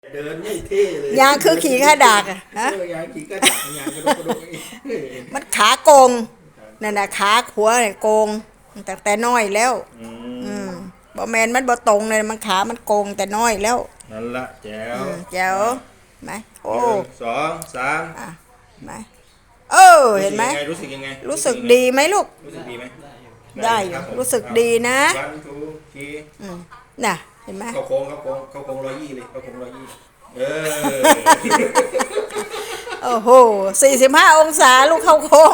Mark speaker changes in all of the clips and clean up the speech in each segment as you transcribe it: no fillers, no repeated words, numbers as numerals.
Speaker 1: เดินไม่เท่เลย
Speaker 2: ยางคือขี่ข้าดากอะฮะ
Speaker 1: ยางขี่ก็ดักยางกระโดด
Speaker 2: มันขาโกงนั่นน่ะขาขวาเนี่ยโกงแต่น้อยแล้ว
Speaker 1: อื
Speaker 2: อื
Speaker 1: ม
Speaker 2: มบ่แมนมันบ่ตรงเลยมันขามันโกงแต่น้อยแล้ว
Speaker 1: นั่นละแจ๋ว
Speaker 2: แจ๋วไหมโอ้
Speaker 1: หนึ่งสองสาม
Speaker 2: อ่ะไหมเห็นไหม
Speaker 1: รู้สึกยังไง
Speaker 2: รู้สึกดีไหมลูก
Speaker 1: รู้สึกดีไหม
Speaker 2: ได้อยู่รู้สึกดีนะ
Speaker 1: วันทูที
Speaker 2: อืมน่ะเห็นไหม
Speaker 1: เข้าโค้ง120เลยเข้าโค้ง120
Speaker 2: โอ้โห45 องศาลูกเข้าโค้ง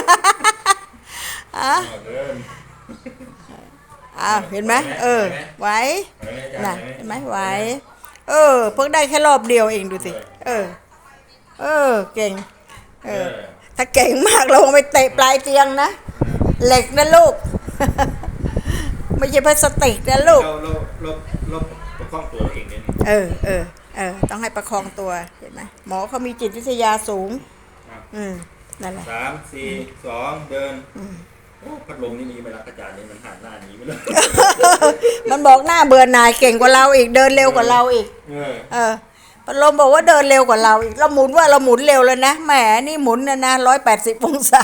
Speaker 2: อ่ะ
Speaker 1: เดิน
Speaker 2: เห็นไหมไหวน่ะเห็นไหมไหวเพิ่งได้แค่รอบเดียวเองดูสิเก่งถ้าเก่งมากเราไปเตะปลายเตียงนะเหล็กนะลูกไม่ใช่พลาสติกนะลูก
Speaker 1: เราประคองตัวเองเนี่ย
Speaker 2: ต้องให้ประคองตัวเห็นไหมหมอเขามีจิตวิทยาสูงนั่นแหละ
Speaker 1: 3 4 2เดินพัดลมนี่มีไหมล่ะอาจารย์เนี่ยมันหันหน้าหนีไปเลย
Speaker 2: มันบอกหน้าเบื่อหน่ายเก่งกว่าเราอีกเดินเร็วกว่าเราอีกพัดลมบอกว่าเดินเร็วกว่าเราอีกเราหมุนเร็วเลยนะแหมนี่หมุนนะ180 องศา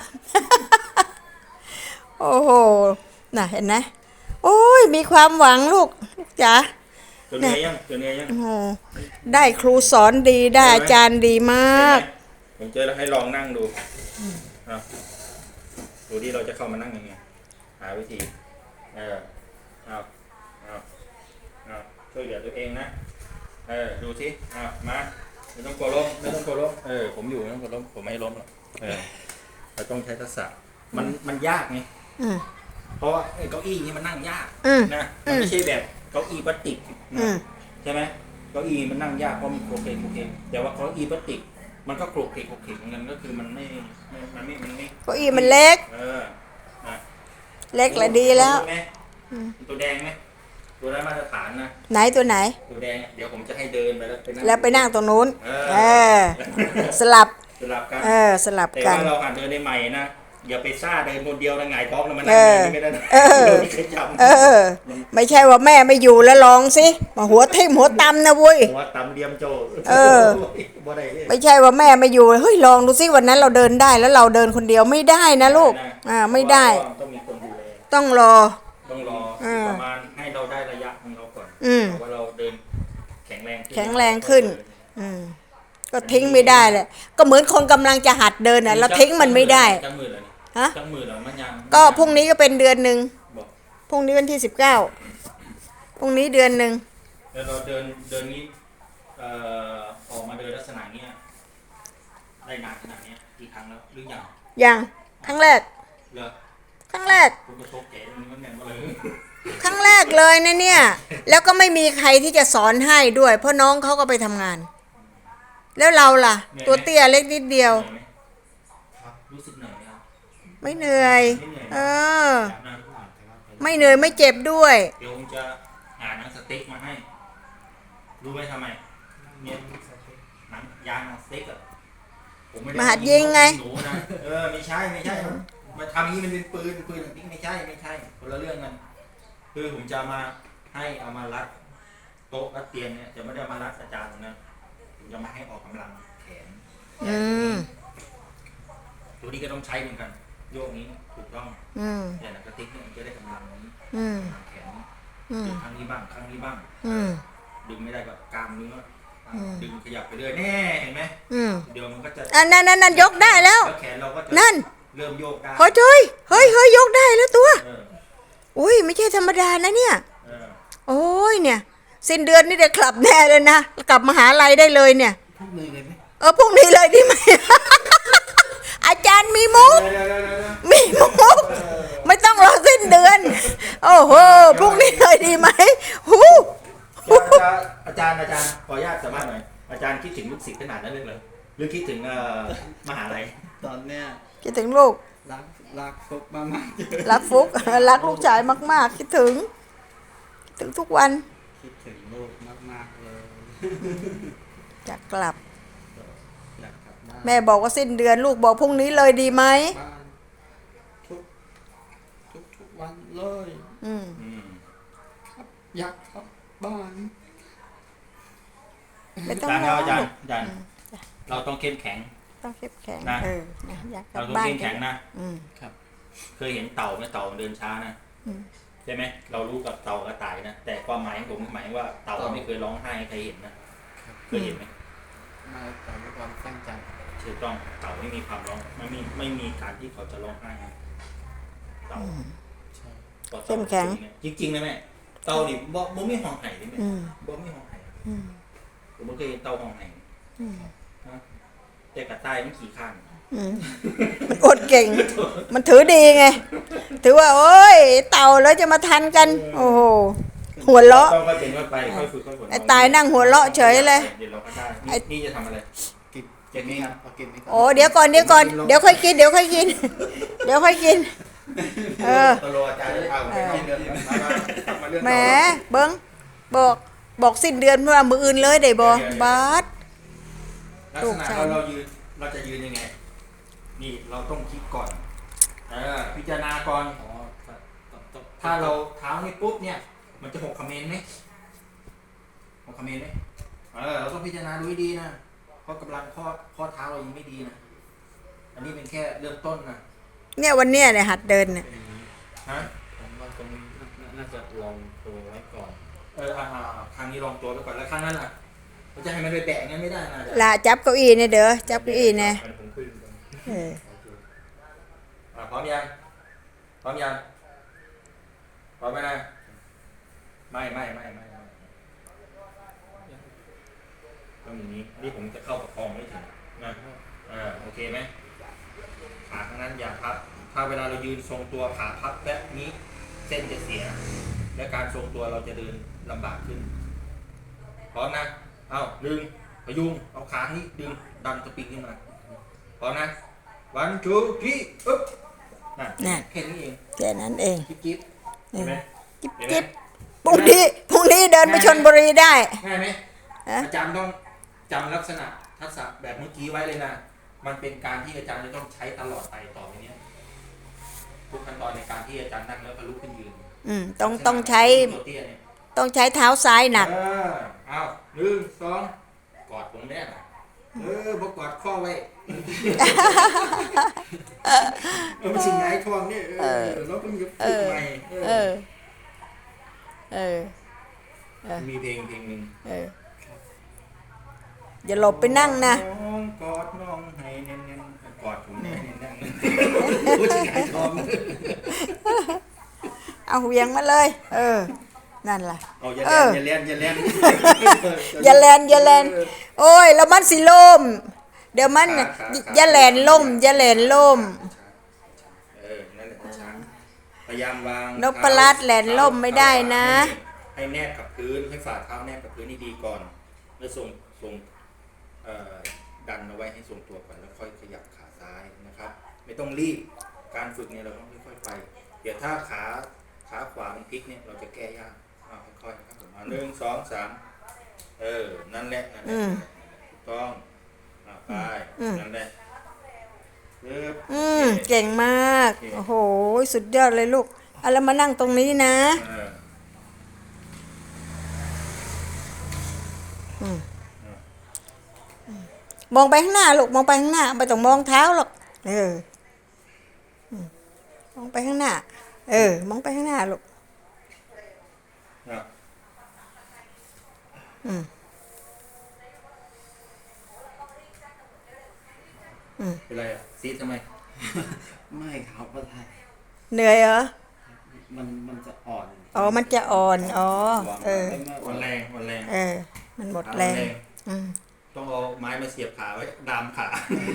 Speaker 2: โอ้โหน่ะเห็นไหมโอ้ยมีความหวังลูกจ๋า
Speaker 1: ตัวเนี้ยยัง
Speaker 2: โอ้โหได้ครูสอนดีได้อาจารย์ดีมาก
Speaker 1: ผมเจอแล้วให้ลองนั่งดูดูที่เราจะเข้ามานั่งยังไงหาวิธีเอาช่วยเหลือตัวเองนะดูสิมาไม่ต้องกลัวล้มผมอยู่ไม่ต้องกลัวล้มผมไม่ล้มหรอกเราต้องใช้ทักษะมันยากไงเพราะว่าเก้าอี้นี่มันนั่งยากนะมันไม่ใช่แบบเก้าอี้พลาสติกใช่ไหมเก้าอี้มันนั่งยากเพราะมันโคเคนแต่ว่าเก้าอี้พลาสติกมันก็โคเคนเหมือนกันก็คือมันไม่
Speaker 2: เก้าอี้มันเล็ก
Speaker 1: นะ
Speaker 2: เล็กและดีแล้ว
Speaker 1: ตัวแดงไหมตัวได้มาตรฐานนะ
Speaker 2: ไหนตัวไหน
Speaker 1: ตัวแดงเดี๋ยวผมจะให้เดินไป
Speaker 2: แล้วไปนั่งตรงนู้นสลับ
Speaker 1: กัน
Speaker 2: สลับ
Speaker 1: แต่
Speaker 2: กัน
Speaker 1: ว่าเราหัดเดินได้ใหม่นะอย่าไปซ่าเดินคนเดียวแล้วไงท้องแล้วมันนั่งไม่ได้
Speaker 2: ไม่ใช่ว่าแม่ไม่อยู่แล้วลองสิมาหัวทิ่มหัวตำนะวุ้ย
Speaker 1: หัวตำเดียมโจ
Speaker 2: ไม่ใช่ว่าแม่ไม่อยู่เฮ้ยลองดูสิวันนั้นเราเดินได้แล้วเราเดินคนเดียวไม่ได้นะลูกไม่ได้
Speaker 1: ต้องมีคนดูแล
Speaker 2: ต้องรอ
Speaker 1: ประมาณให้เราได้ระยะของเราก่อนว่าเราเดินแข็งแ
Speaker 2: รงขึ้นก็ทิ้งไม่ได้เลยก็เหมือนคนกำลังจะหัดเดินเราทิ้งมันไม่ได้
Speaker 1: จังมือเหรอมันยัง
Speaker 2: ก็พรุ่งนี้ก็เป็นเดือนหนึ่งพรุ่งนี้วันที่19พรุ่งนี้เดือนหนึ่ง
Speaker 1: แล้วเราเดินนี้ออกมาเดินลักษณะเนี้ยได้นานขนาดนี้กี่ครั้งแล้วหรือ
Speaker 2: ยังครั้งแรกครั้งแรกครั้งแรกเลยนะเนี่ยแล้วก็ไม่มีใครที่จะสอนให้ด้วยเพราะน้องเขาก็ไปทำงานแล้วเราล่ะตัวเตี้ยเล็กนิดเดียว
Speaker 1: รู้สึกเหนื่อยไหมครับ
Speaker 2: ไม่เหนื่อยไม่เหนื่อยไม่เจ็บด้วย
Speaker 1: เดี๋ยวผมจะหาหนังสติ๊กมาให้รู้ไหมทำไมเนี่ยหนังยางหนังสติ๊ก
Speaker 2: มาหัดยิงไง
Speaker 1: ไม่ใช่มาทำอย่างนี้มันเป็นปืนนี่ไม่ใช่คนละเรื่องกันคือผมจะมาให้เอามารัดโต๊ะรัดเตียงเนี่ยจะไม่ได้มารัดอาจารย์นะผมจะมาให้ออกกำลังแขนตัวนี้ก็ต้องใช้เหมือนกันโยกนี้ถูกต้องแต่หนังสติ๊กเนี่ยมันจะได้กำลังนี้แขนครั้งนี้บ้างดึงไม่ได้ก็กล้ามเนื้อดึงขยับไปเรื่อยแน่เห็นไหมเดี๋ยวมันก็จะ
Speaker 2: นั่นยกได้แล้ว
Speaker 1: แขนเราก็จะ
Speaker 2: นั่น
Speaker 1: เริ่มโยกได้
Speaker 2: เฮ้ยยกได้แล้วตัวอุ้ยไม่ใช่ธรรมดานะเนี่ยโอ้ยเนี่ยสิ้นเดือนนี่เดี๋ยวกลับแน่เลยนะกลับมหาลัยได้เลยเนี่ย
Speaker 1: พรุ่งนี้เลยไหม
Speaker 2: พรุ่งนี้เลยดีไหม อาจารย์มีมุกไม่ต้องรอสิ้นเดือนโอ้โหพรุ่งนี้เลยดีไหม
Speaker 1: อาจารย์ขออนุญาตสามารถหน่อยอาจารย์คิดถึงลูกศิษย์ขนาดนั้นเลยหรือคิดถึงมหาลัย
Speaker 3: ตอนเนี้ย
Speaker 2: คิดถึงลูก
Speaker 3: รักฟุกมาก
Speaker 2: ๆรักฟุกรักลูกชายมากๆคิดถึงทุกวัน
Speaker 3: คิดถึงลูกมากๆเลย
Speaker 2: อยากกลับแม่บอกว่าสิ้นเดือนลูกบอกพรุ่งนี้เลยดีไหม
Speaker 3: ทุกวันเลย
Speaker 2: ครับ
Speaker 3: อยากกลับบ้าน
Speaker 2: ไม่ต้อง
Speaker 1: อาจารย์
Speaker 2: ร้
Speaker 1: ค
Speaker 2: อ
Speaker 1: รับ
Speaker 2: ง
Speaker 1: อาจารย์เราต้องเข้มแข็ง
Speaker 2: ต้องเข้มแข็ง
Speaker 1: นะ
Speaker 2: นะอยากกลั
Speaker 1: เรา
Speaker 2: บ
Speaker 1: ต้อง
Speaker 2: บ้าน
Speaker 1: เข้มแข็งนะ
Speaker 2: อืม
Speaker 3: ครับ
Speaker 1: เคยเห็นเต่าไหมเต่ามันเดินช้านะ
Speaker 2: อืม
Speaker 1: ใช่ไหมเรารู้กับเต่ากระต่ายนะแต่ความหมายของผมหมายว่าเต่าไม่เคยร้องไห้ให้ใครเห็นนะเคยเห็นไหม
Speaker 3: มาแต่ด้วยความตั้งใจ
Speaker 1: ถูกต้องเต่าไม่มีความร้องไม่มีการที่เขาจะร้องไห้นะเต่า
Speaker 3: ใช่
Speaker 2: เข้มแข็ง
Speaker 1: จริงๆนะแม่เต่านี่บ่ไม่ห้องไห้เลยแม่
Speaker 2: อืม
Speaker 1: บ่ไม่ห้องไห้
Speaker 2: อืม
Speaker 1: ผมไม่เคยเห็นเต่าห้องไห้
Speaker 2: อืม
Speaker 1: นะแต่กระต่ายมันขี่ข้าง
Speaker 2: อืมมันอดเก่ง มันถือดีไง ถือว่า โอ้ย เต่าแล้วจะมาทันกัน โอ้โห หัวเราะ
Speaker 1: ต้องค่อยเป็นค่อยไปค่อยฝึกค่อยฝน
Speaker 2: ไอ้ตายนั่งหัวเราะเฉยเลย
Speaker 1: เดี๋ยวเราก็ได้
Speaker 2: ไอ้
Speaker 1: นี่จะทำอะไร
Speaker 3: กิน
Speaker 1: เจ็ดนี้ครับ
Speaker 3: พอกินนี่ก่อน
Speaker 2: โอ้เดี๋ยวก่อนเดี๋ยวก่อน เดี๋ยวค่อยกิน เดี๋ยวค่อยกิน เดี๋ยวค่อยกิน เออ
Speaker 1: ตโลอาจารย์จะเอาไปเข้าเดือนมาเรื่อง
Speaker 2: แหมเบิ้งบอกสิ้นเดือนว่ามืออื่นเลยได้บ่บาส
Speaker 1: ลักษณะเราจะยืนยังไง นี่เราต้องคิดก่อนพิจารณาก่อน
Speaker 3: อ๋อต้อง
Speaker 1: ถ้าเราเท้านี่ปุ๊บเนี่ย มันจะหกคอมเมนต์ไหมหกคอมเมนต์ไหมเราต้องพิจารณาดูให้ดีนะเพราะกำลังข้อเท้าเรายังไม่ดีนะอันนี้เป็นแค่เริ่มต้นนะ
Speaker 2: เนี่ยวันเนี้ยเนี่ยหัดเดินเนี่ย
Speaker 3: เป็นอย่างนี้
Speaker 1: ฮะ
Speaker 3: ผมว่าตรงนี้น่าจะลองตัวไว้ก่อน
Speaker 1: ครั้งนี้ลองตัวไปก่อนแล้วครั้งนั้นล่ะเราจะให้มันไปแบะงั้นไม่ได้นะ
Speaker 2: ลาจับเก้าอี้เนี่ยเด้อจับเก้าอี้เนี่ย
Speaker 1: ผมขึ้น
Speaker 2: เออ
Speaker 1: พร้อมยังพร้อมยังพร้อมไหมนะไม่ต้องอย่างนี้นี่ผมจะเข้าประคองไม่ถึงนะโอเคไหมขาข้างนั้นอย่าพับถ้าเวลาเรายืนทรงตัวขาพับแบบนี้เส้นจะเสีย และการทรงตัวเราจะเดินลำบากขึ้นพร้อมนะเอาดึงพยุงเอาขานี้ดึงดันสปริงขึ้นมาพร้อมนะ1 2 3อึ๊บนั่นแค่นี้เอง
Speaker 2: แค่นั้นเอง
Speaker 1: จิ๊บเห็นไหม
Speaker 2: จิ๊บจิ๊บพรุ่งนี้เดินไปชลบุรีได้
Speaker 1: ง่ายไหม
Speaker 2: ฮะ
Speaker 1: อาจารย์ต้องจำลักษณะทักษะแบบเมื่อกี้ไว้เลยนะมันเป็นการที่อาจารย์จะต้องใช้ตลอดไปต่อไปเนี้ยทุกขั้นตอนในการที่อาจารย์นั่งแล้วก็ลุกขึ้นยืน
Speaker 2: ต้องใช้
Speaker 1: ตัวเตี้ยเนี่ย
Speaker 2: ต้องใช้เท้าซ้ายหนัก
Speaker 1: เอา1 2กอดผมแน่น่ะบอกกอดข้อไว้ไม่ใช่ไงท้องเนี่ยเราต้องยกขึ้นใหม่
Speaker 2: เออ
Speaker 1: มีเพลงหนึ่ง
Speaker 2: อย่าหลบไปนั่งนะ
Speaker 1: น้องกอดน้องให้แน่นๆกอดผมแน่นๆผู้ชายท้อง
Speaker 2: เอาเหวียงมาเลย นั่นล่ะ
Speaker 1: เอาอย่าเล่น
Speaker 2: อย่าแลนอย่าแลนโอ้ยแล้วมันสิล่มเดี๋ยวมันอย่าแลนล่มอย่าแลนล่ม
Speaker 1: นั่นแหละช้างพยายามวาง
Speaker 2: นพรัตน์แหลนล่มไม่ได้นะ
Speaker 1: ให้แนบกับพื้นให้ฝ่าเท้าแนบกับพื้นให้ดีก่อนแล้วส่งดันเอาไว้ให้ทรงตัวก่อนแล้วค่อยขยับขาซ้ายนะครับ ไม่ต้องรีบการฝึกเนี่ยเราต้องค่อยๆไป เดี๋ยวถ้าขาขวามันพลิกเนี่ยเราจะแก้ยากค่อยๆนะครับผม1 2 3นั่นแหละถูกต้องไปนั่นแหละ
Speaker 2: เก่งมากโอ้โหสุดยอดเลยลูกเอาแล้วมานั่งตรงนี้นะมองไปข้างหน้าลูกมองไปข้างหน้าไม่ต้องมองเท้าหรอกมองไปข้างหน้ามองไปข้างหน้าลูก
Speaker 1: เป็นไรอ่ะซีดทำไม
Speaker 3: ไม่ครับว่าไทย
Speaker 2: เหนื่อยเหรอ
Speaker 3: มันจะอ่อน
Speaker 2: มันจะอ่อน
Speaker 1: วันแรง
Speaker 2: มันหมดแรง
Speaker 1: ต้องเอาไม้มาเสียบขาไว้ดามขา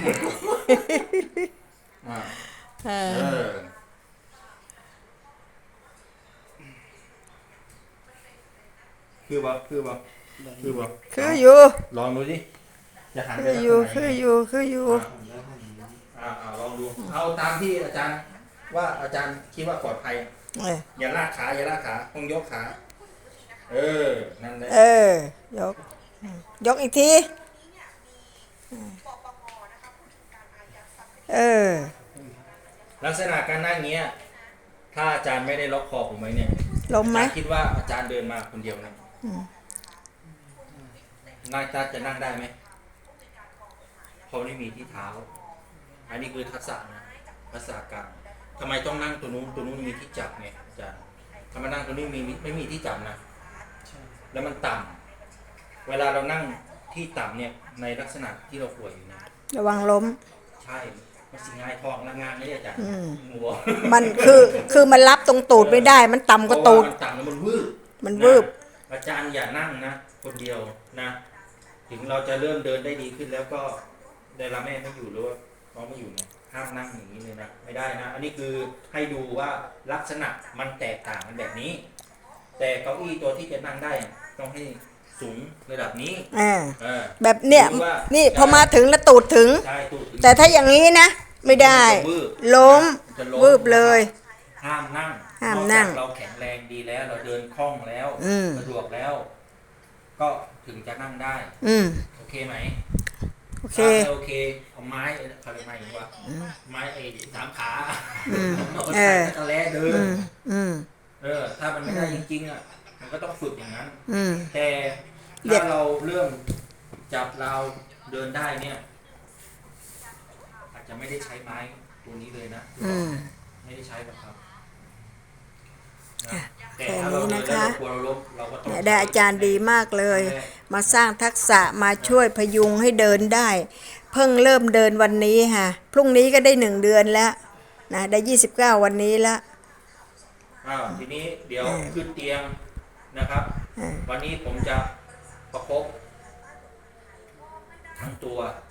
Speaker 1: คือบ่
Speaker 2: คืออยู่
Speaker 1: ลองดูสิจะหันไป
Speaker 2: คืออยู่
Speaker 1: ลองดูเอาตามที่อาจารย์ว่าอาจารย์คิดว่าปลอดภัยอย่าลากขาต้องยกขานั่นแหละ
Speaker 2: ยกอีกที
Speaker 1: ลักษณะการนั่งเงี้ยถ้าอาจารย์ไม่ได้ล็อกคอผมไว้เนี่ย
Speaker 2: ล้มไหม
Speaker 1: คิดว่าอาจารย์เดินมาคนเดียวนะนั่งจะนั่งได้ไหมเขาไม่มีที่เท้า อันนี้คือทักษะนะทักษะการทำไมต้องนั่งตัวนู้นมีที่จับไงอาจารย์ถ้ามานั่งตัวนี้ไม่มีที่จับนะ
Speaker 3: ใช่
Speaker 1: แล้วมันต่ำเวลาเรานั่งที่ต่ำเนี่ยในลักษณะที่เราป่วยอยู่นะ
Speaker 2: ระวังล้ม
Speaker 1: ใช่มันสิงายทองละงานนี่อาจารย์งัว
Speaker 2: มันคือมันรับตรงตูดไม่ได้ มันต่ำกว่าตูด
Speaker 1: เพระมันต่ำแล้วมันวืบ
Speaker 2: มันวืบ
Speaker 1: นะอาจารย์อย่านั่งนะคนเดียวนะ ถึงเราจะเริ่มเดินได้ดีขึ้นแล้วก็เวลาแม่ไม่อยู่หรือว่าน้องไม่อยู่เนี่ยห้ามนั่งอย่างนี้เลยนะไม่ได้นะ อันนี้คือให้ดูว่าลักษณะมันแตกต่างกันแบบนี้ แต่เก้าอี้ตัวที่จะนั่งได้ต้องให้สูงระดับนี้ เออ
Speaker 2: แบบเนี้ย
Speaker 1: หรือว่า
Speaker 2: นี่พอมาถึงแล้วตูดถึง
Speaker 1: ใช่ตูดถึง
Speaker 2: แต่ถ้าอย่างนี้นะ ไม่ได้
Speaker 1: มันจะวืบ
Speaker 2: ล้ม
Speaker 1: มันจะล้ม
Speaker 2: วืบเลย
Speaker 1: ห้ามนั่ง
Speaker 2: ห้ามนั่ง
Speaker 1: นอกจากเราแข็งแรงดีแล้ว เราเดินคล่องแล้ว
Speaker 2: อืม
Speaker 1: สะดวกแล้ว ก็ถึงจะนั่งได้ โอเคไหม
Speaker 2: โอเค
Speaker 1: ถ้าไม่โอเคเอาไม้เขาเรียกไม้หรือว่าไม้ไอ้สามขาเอาไปใส่ตะแลเดิน ถ้ามันไม่ได้จริงๆอ่ะมันก็ต้องฝึกอย่างนั้น แต่
Speaker 2: เด็ก
Speaker 1: ถ้าเราเริ่มจับเราเดินได้เนี่ย อาจจะไม่ได้ใช้ไม้ตัวนี้เลยนะไม่ได้ใช้หรอกครับนะแต่ถ้าเราเดินแล้วเรากลัวเราล้มเราก็ต้อง
Speaker 2: ได้อาจารย์ดีมากเลย มาสร้างทักษะมาช่วยพยุงให้เดินได้ เพิ่งเริ่มเดินวันนี้ค่ะพรุ่งนี้ก็ได้1 เดือนแล้วนะได้29วันนี้แล้ว
Speaker 1: ทีนี้เดี๋ยวขึ้นเตียงนะครับ วันนี้ผมจะประคบทั้งตัว